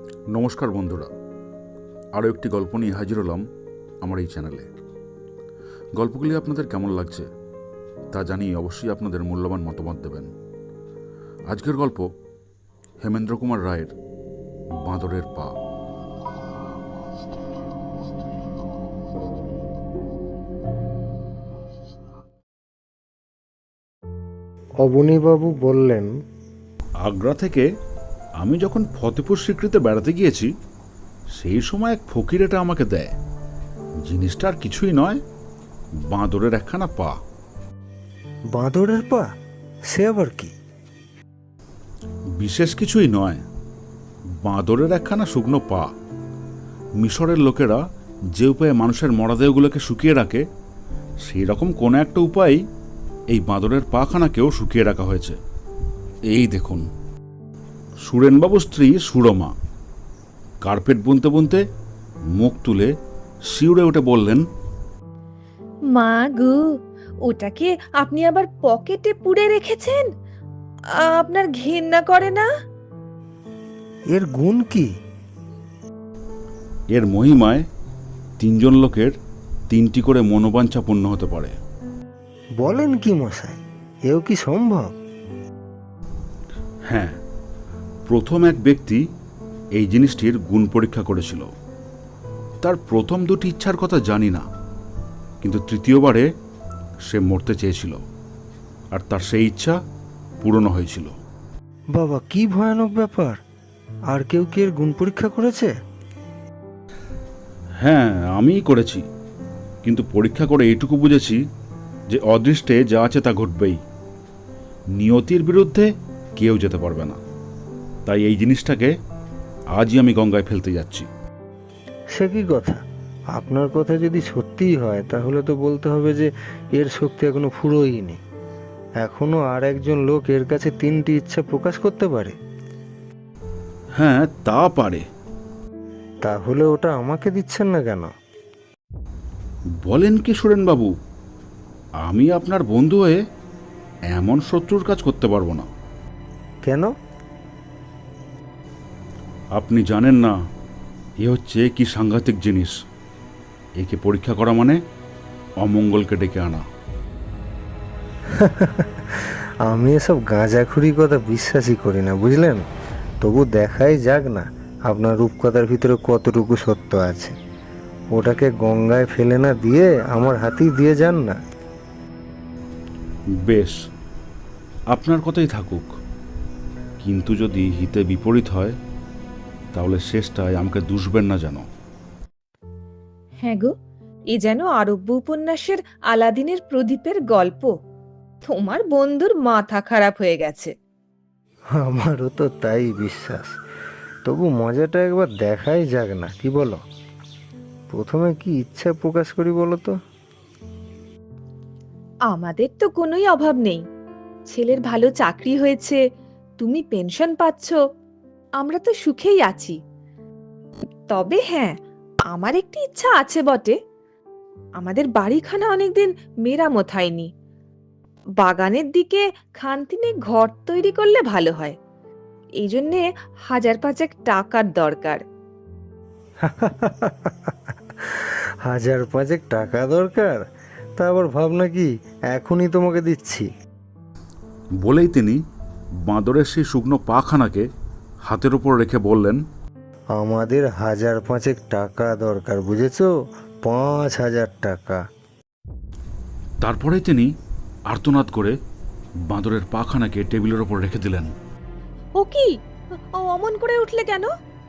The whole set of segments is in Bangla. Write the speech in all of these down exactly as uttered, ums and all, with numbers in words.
নমস্কার বন্ধুরা, আরও একটি গল্প নিয়ে হাজির হলাম আমার এই চ্যানেলে। গল্পগুলি আপনাদের কেমন লাগছে তা জানিয়ে অবশ্যই আপনাদের মূল্যবান মতামত দেবেন। আজকের গল্প হেমেন্দ্র কুমার রায়ের বাঁদরের পা। অবনীবাবু বললেন, আগ্রা থেকে আমি যখন ফতেপুর সিক্রিতে বেড়াতে গিয়েছি সেই সময় এক ফকির এটা আমাকে দেয়। জিনিসটা আর কিছুই নয়, বাঁদরের একখানা পা। বাঁদরের পা? সে আবার কি? বিশেষ কিছুই নয়, বাঁদরের একখানা শুকনো পা। মিশরের লোকেরা যে উপায়ে মানুষের মরদেহগুলোকে শুকিয়ে রাখে সেই রকম কোনো একটা উপায়েই এই বাঁদরের পাখানাকেও শুকিয়ে রাখা হয়েছে। এই দেখুন। সুরেনবাবুর স্ত্রী সুরমা কার্পেট বুনতে বুনতে মুখ তুলে শিউরে উঠে বললেন, মা গো, ওটাকে আপনি আবার পকেটে পুরে রেখেছেন? আপনার ঘেন্না করে না? এর গুণ কি? এর মহিমায় তিনজন লোকের তিনটি করে মনোবাঞ্ছা পূর্ণ হতে পারে। বলেন কি মশাই, এও কি সম্ভব? হ্যাঁ, প্রথম এক ব্যক্তি এই জিনিসটির গুণ পরীক্ষা করেছিল। তার প্রথম দুটি ইচ্ছার কথা জানি না, কিন্তু তৃতীয়বারে সে মরতে চেয়েছিল আর তার সেই ইচ্ছা পূরণ হয়েছিল। বাবা, কি ভয়ানক ব্যাপার! আর কেউ কি এর গুণ পরীক্ষা করেছে? হ্যাঁ, আমিই করেছি, কিন্তু পরীক্ষা করে এইটুকু বুঝেছি যে অদৃষ্টে যা আছে তা ঘটবেই। নিয়তির বিরুদ্ধে কেউ যেতে পারবে না। তাই এই জিনিসটাকে আজই আমি গঙ্গায় ফেলতে যাচ্ছি। সে কি কথা? আপনার কথা যদি সত্যিই হয় তাহলে তো বলতে হবে যে এর শক্তি এখনো ফুরোয়নি। এখনো আর একজন লোক এর কাছে তিনটি ইচ্ছা প্রকাশ করতে পারে। হ্যাঁ, তা পারে। তাহলে ওটা আমাকে দিচ্ছেন না কেন? বলেন কি সুরেনবাবু, আমি আপনার বন্ধু হয়ে এমন শত্রুর কাজ করতে পারবো না। কেন? আপনি জানেন না এ হচ্ছে কি সাংঘাতিক জিনিস। একে পরীক্ষা করা মানে অমঙ্গলকে ডেকে আনা। আমি এসব গাঁজাখুরি কথা বিশ্বাসই করি না, বুঝলেন? তবু দেখাই যাক না আপনার রূপকথার ভিতরে কতটুকু সত্য আছে। ওটাকে গঙ্গায় ফেলে না দিয়ে আমার হাতেই দিয়ে যান না। বেশ, আপনার কথাই থাকুক, কিন্তু যদি হিতে বিপরীত হয় তাহলে শেষটায় আমাকে দুষবেন না যেন। হ্যাঁ গো, এ যেন আরব্য উপন্যাসের আলাদিনের প্রদীপের গল্প। তোমার বন্ধুর মাথা খারাপ হয়ে গেছে। আমারও তো তাই বিশ্বাস। তবু মজাটা একবার দেখাই যাক না, কি বলো? প্রথমে কি ইচ্ছা প্রকাশ করি বলো তো? আমাদের তো কোনোই অভাব নেই। ছেলের ভালো চাকরি হয়েছে, তুমি পেনশন পাচ্ছ, আমরা তো সুখেই আছি। তবে হ্যাঁ, আমার একটি ইচ্ছা আছে বটে। আমাদের বাড়িখানা অনেকদিন মেরামত হয়নি। বাগানের দিকে খানতিনে ঘর তৈরি করলে ভালো হয়। এই জন্যে হাজার পাঁচেক টাকার দরকার। হাজার পাঁচেক টাকা দরকার? তা আবার ভাবনা কি, এখনই তোমাকে দিচ্ছি। বলেই তিনি বাঁদরের সেই শুকনো পাখানাকে হাতের উপর রেখে বললেন, আমাদের হাজার পাঁচেক টাকা দরকার, বুঝেছো? পাঁচ হাজার টাকা। তারপরে তিনি আর্তনাদ করে বাঁদরের পাখানাকে টেবিলের ওপর রেখে দিলেন। ও কি, ও অমন করে উঠলে কেন?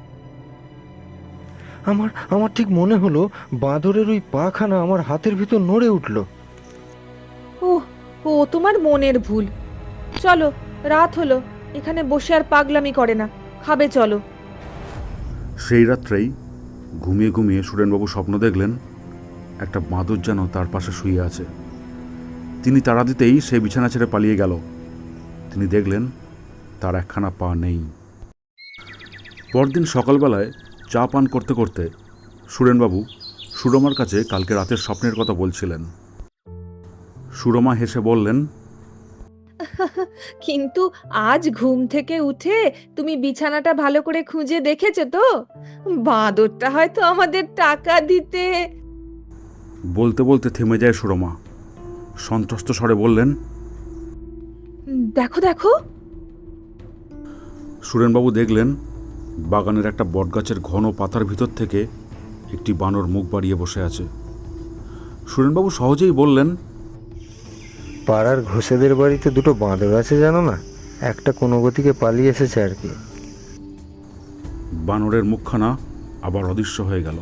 আমার আমার ঠিক মনে হলো বাঁদরের ওই পাখানা আমার হাতের ভিতর নড়ে উঠল। ও ও তোমার মনের ভুল। চলো, রাত হলো, এখানে বসে আর পাগলামি করে না, খাবে চলো। সেই রাত্রেই ঘুমিয়ে ঘুমিয়ে সুরেনবাবু স্বপ্ন দেখলেন একটা বাঁদর যেন তার পাশে শুয়ে আছে। তিনি তাড়া দিতেই সে বিছানা ছেড়ে পালিয়ে গেল। তিনি দেখলেন তার একখানা পা নেই। পরদিন সকালবেলায় চা পান করতে করতে সুরেনবাবু সুরমার কাছে কালকে রাতের স্বপ্নের কথা বলছিলেন। সুরমা হেসে বললেন, কিন্তু আজ ঘুম থেকে উঠে তুমি বিছানাটা ভালো করে খুঁজে দেখেছো তো? বাঁদরটা হয়তো আমাদের টাকা দিতে। বলতে বলতে থেমে যায় সুরমা। সন্ত্রস্ত স্বরে বললেন, উম, দেখো দেখো। সুরেনবাবু দেখলেন বাগানের একটা বটগাছের ঘন পাতার ভিতর থেকে একটি বানর মুখ বাড়িয়ে বসে আছে। সুরেনবাবু সহজেই বললেন, পাড়ার ঘোষেদের বাড়িতে দুটো বাঁদর আছে জানো না? একটা কোনো গতিকে পালিয়ে এসেছে আর কি। বানরের মুখখানা আবার অদৃশ্য হয়ে গেল।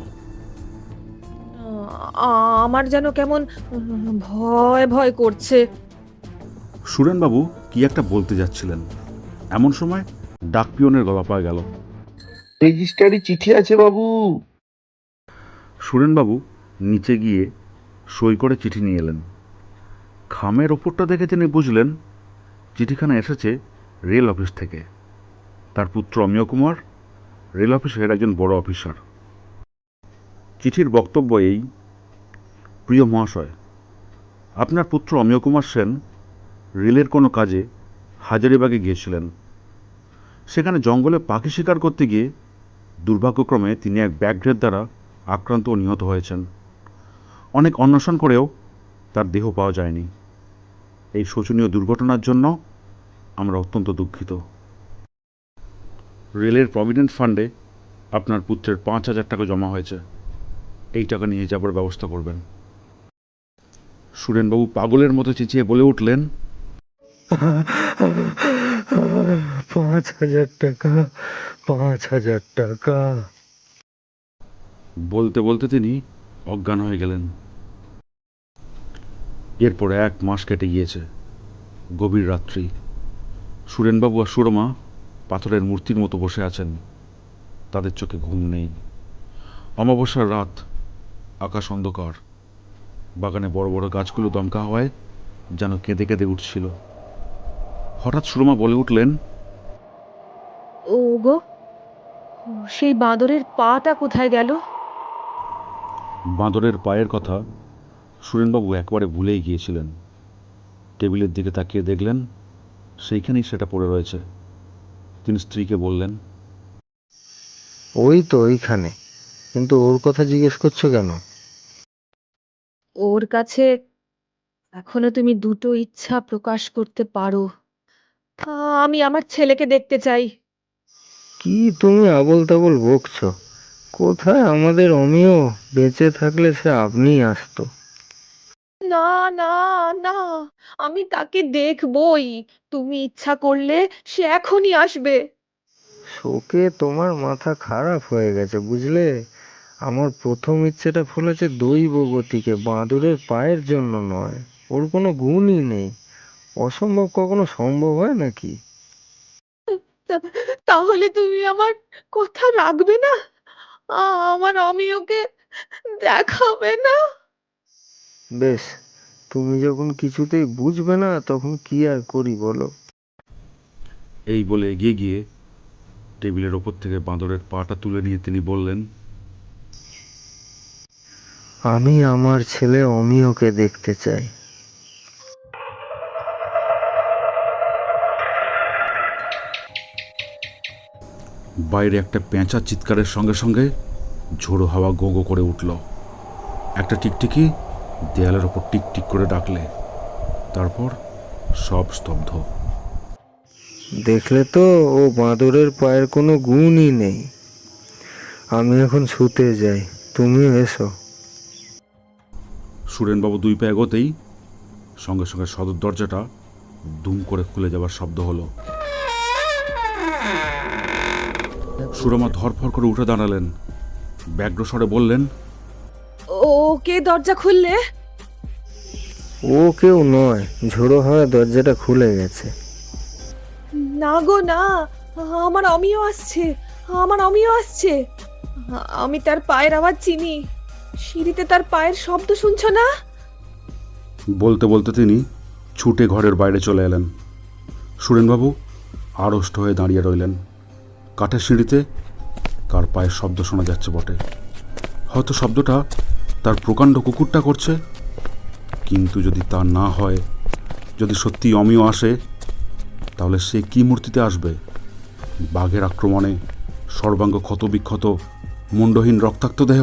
আ- আমার যেন কেমন উম, ভয় ভয় করছে। সুরেনবাবু কি একটা বলতে যাচ্ছিলেন, এমন সময় ডাকপিয়নের গলা পাওয়া গেল। রেজিস্ট্রারি চিঠি আছে বাবু। সুরেনবাবু নিচে গিয়ে সই করে চিঠি নিয়ে এলেন। খামের ওপরটা দেখে তিনি বুঝলেন চিঠিখানা এসেছে রেল অফিস থেকে। তার পুত্র অমিয় কুমার রেল অফিসের একজন বড় অফিসার। চিঠির বক্তব্য এই: প্রিয় মহাশয়, আপনার পুত্র অমিয় কুমার সেন রেলের কোনো কাজে হাজারিবাগে গিয়েছিলেন। সেখানে জঙ্গলে পাখি শিকার করতে গিয়ে দুর্ভাগ্যক্রমে তিনি এক ব্যাঘ্রের দ্বারা আক্রান্ত ও নিহত হয়েছেন। অনেক অন্বেষণ করেও তার দেহ পাওয়া যায়নি। এই শোচনীয় দুর্ঘটনার জন্য আমরা অত্যন্ত দুঃখিত। রেলের প্রভিডেন্ট ফান্ডে আপনার পুত্রের পাঁচ হাজার টাকা জমা হয়েছে। এই টাকা নিয়ে যাবার ব্যবস্থা করবেন। সুরেনবাবু পাগলের মতো চেঁচিয়ে বলে উঠলেন, পাঁচ হাজার টাকা, পাঁচ হাজার টাকা। বলতে বলতে তিনি অজ্ঞান হয়ে গেলেন। এরপর এক মাস কেটে গিয়েছে। গভীর রাত্রি। সুরেনবাবু আর সুরমা পাথরের মূর্তির মতো বসে আছেন। তাদের চোখে ঘুম নেই। অমাবস্যার রাত, আকাশ অন্ধকার। বাগানে বড় বড় গাছগুলো দমকা হওয়ায় যেন কেঁদে কেঁদে উঠছিল। হঠাৎ সুরমা বলে উঠলেন, ও গো, সেই বাঁদরের পাটা কোথায় গেল? বাঁদরের পায়ের কথা সুরেনবাবু একবারে ভুলেই গিয়েছিলেন। টেবিলের দিকে তাকিয়ে দেখলেন সেইখানেই সেটা পড়ে রয়েছে। তিনি স্ত্রীকে বললেন, ওই তো ওইখানে, কিন্তু ওর কথা জিজ্ঞেস করছো কেন? ওর কাছে এখনো তুমি দুটো ইচ্ছা প্রকাশ করতে পারো। আ, আমি আমার ছেলেকে দেখতে চাই। কি তুমি আবোল তাবোল বকছো? কোথায় আমাদের অমিয়? বেঁচে থাকলে সে আপনিই আসতো। না না না, আমি তাকে দেখবই। তুমি ইচ্ছা করলে সে এখনই আসবে। শোকে তোমার মাথা খারাপ হয়ে গেছে বুঝলে। আমার প্রথম ইচ্ছেটা ফলেছে দৈব গতিকে, বাঁদরের পায়ের জন্য নয়। ওর কোনো গুণই নেই। অসম্ভব কখনো সম্ভব হয় নাকি? তা- তাহলে তুমি আমার কথা রাখবে না? আ, আমার অমিয়কে দেখাবে না? বেশ, তুমি যখন কিছুতেই বুঝবে না তখন কি আর করি বলো। এই বলে এগিয়ে গিয়ে টেবিলের ওপর থেকে বাঁদরের পাটা তুলে নিয়ে তিনি বললেন, আমি আমার ছেলে অমিয়কে দেখতে চাই। বাইরে একটা পেঁচা চিৎকারের সঙ্গে সঙ্গে ঝোড়ো হাওয়া গো গো করে উঠল। একটা টিকটিকি দেয়ালের ওপর টিকটিক করে ডাকলে। তারপর সব স্তব্ধ। দেখলে তো, ও বাঁদরের পায়ের কোনো গুণই নেই। আমি এখন শুতে যাই, তুমিও এসো। সুরেনবাবু দুই পা এগোতেই সঙ্গে সঙ্গে সদর দরজাটা দুম করে খুলে যাবার শব্দ হলো। সুরমা ধরফর করে উঠে দাঁড়ালেন। ব্যগ্র স্বরে বললেন, ও কে দরজা খুললে? ও কেউ নয়, ঝোড়ো হাওয়া দরজাটা খুলে গেছে। না গো না, আমার অমিয় আসছে, আমার অমিয় আসছে। আ- আমি তার পায়ের আওয়াজ চিনি। সিঁড়িতে তার পায়ের শব্দ শুনছো না? বলতে বলতে তিনি ছুটে ঘরের বাইরে চলে এলেন। সুরেনবাবু আড়ষ্ট হয়ে দাঁড়িয়ে রইলেন। কাঠের সিঁড়িতে কার পায়ের শব্দ শোনা যাচ্ছে বটে। হয়তো শব্দটা তার প্রকাণ্ড কুকুরটা করছে। কিন্তু যদি তা না হয়, যদি সত্যি অমিয় আসে, তাহলে সে কি মূর্তিতে আসবে? বাঘের আক্রমণে সর্বাঙ্গ ক্ষতবিক্ষত, মুন্ডহীন রক্তাক্ত দেহ?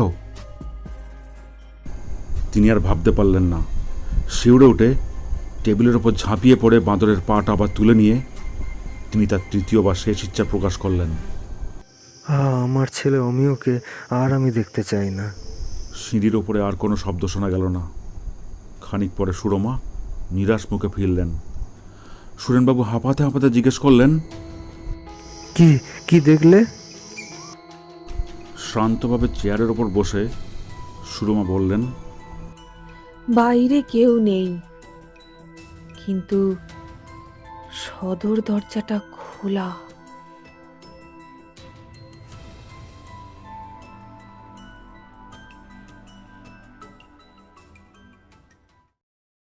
তিনি আর ভাবতে পারলেন না। শিউরে উঠে টেবিলের ওপর ঝাঁপিয়ে পড়ে বাঁদরের পাটা আবার তুলে নিয়ে তিনি তার তৃতীয় বা শেষ ইচ্ছা প্রকাশ করলেন। আহ, আমার ছেলে অমিয়কে আর আমি দেখতে চাই না। সিঁড়ির ওপরে আর কোনো শব্দ শোনা গেল না। খানিক পরে সুরমা নিরাশ মুখে ফিরলেন। সুরেনবাবু হাঁপাতে হাঁপাতে জিজ্ঞেস করলেন, কি কি দেখলে? শান্তভাবে চেয়ারের ওপর বসে সুরমা বললেন, বাইরে কেউ নেই, কিন্তু সদর দরজাটা খোলা।